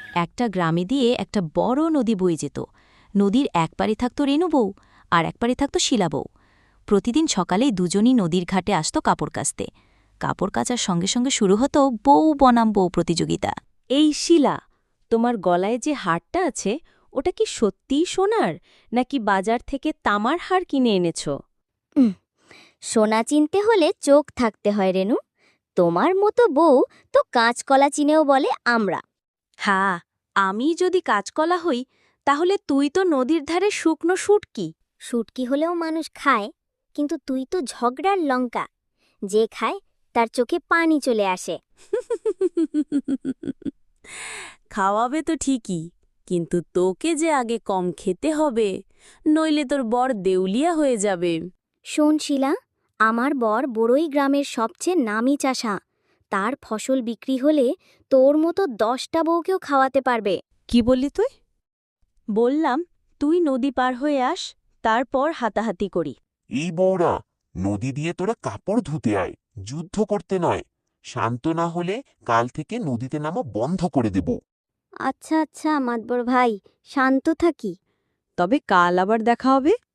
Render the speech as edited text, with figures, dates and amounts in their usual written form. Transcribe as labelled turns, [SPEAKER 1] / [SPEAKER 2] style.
[SPEAKER 1] একটা গ্রামে দিয়ে একটা বড় নদী বয়ে যেত। নদীর এক পারে থাকত রেণু বউ, আর এক পারে থাকত শিলা বউ। প্রতিদিন সকালেই দুজনই নদীর ঘাটে আসত কাপড় কাচতে। কাপড় কাচার সঙ্গে সঙ্গে শুরু হতো বউ বনাম বউ প্রতিযোগিতা।
[SPEAKER 2] এই শিলা, তোমার গলায় যে হারটা আছে ওটা কি সত্যিই সোনার, নাকি বাজার থেকে তামার হার কিনে এনেছো?
[SPEAKER 3] সোনা চিনতে হলে চোখ থাকতে হয় রেনু। তোমার মতো বউ তো কাঁচকলা চিনেও বলে আমরা।
[SPEAKER 2] হ্যাঁ, আমি যদি কাঁচকলা হই তাহলে তুই তো নদীর ধারে শুকনো শুটকি।
[SPEAKER 3] শুটকি হলেও মানুষ খায়, কিন্তু তুই তো ঝগড়ার লঙ্কা। যে খায় তার চোখে পানি চলে আসে।
[SPEAKER 2] খাওয়াবে তো ঠিকই, কিন্তু তোকে যে আগে কম খেতে হবে, নইলে তোর বর দেউলিয়া হয়ে যাবে।
[SPEAKER 3] শোন শিলা, আমার বর বড়ই গ্রামের সবচেয়ে নামি চাষা। তার ফসল বিক্রি হলে তোর মতো 10টা বউকেও খাওয়াতে পারবে।
[SPEAKER 2] কি বললি তুই? বললাম তুই নদী পার হয়ে আস, তারপর হাতাহাতি করি।
[SPEAKER 4] এই বউরা, নদী দিয়ে তোরা কাপড় ধুতে আয়, যুদ্ধ করতে নয়। শান্ত না হলে কাল থেকে নদীতে নামা বন্ধ করে দেব।
[SPEAKER 3] আচ্ছা আচ্ছা মাতবর ভাই, শান্ত থাকি।
[SPEAKER 2] তবে কাল আবার দেখা হবে।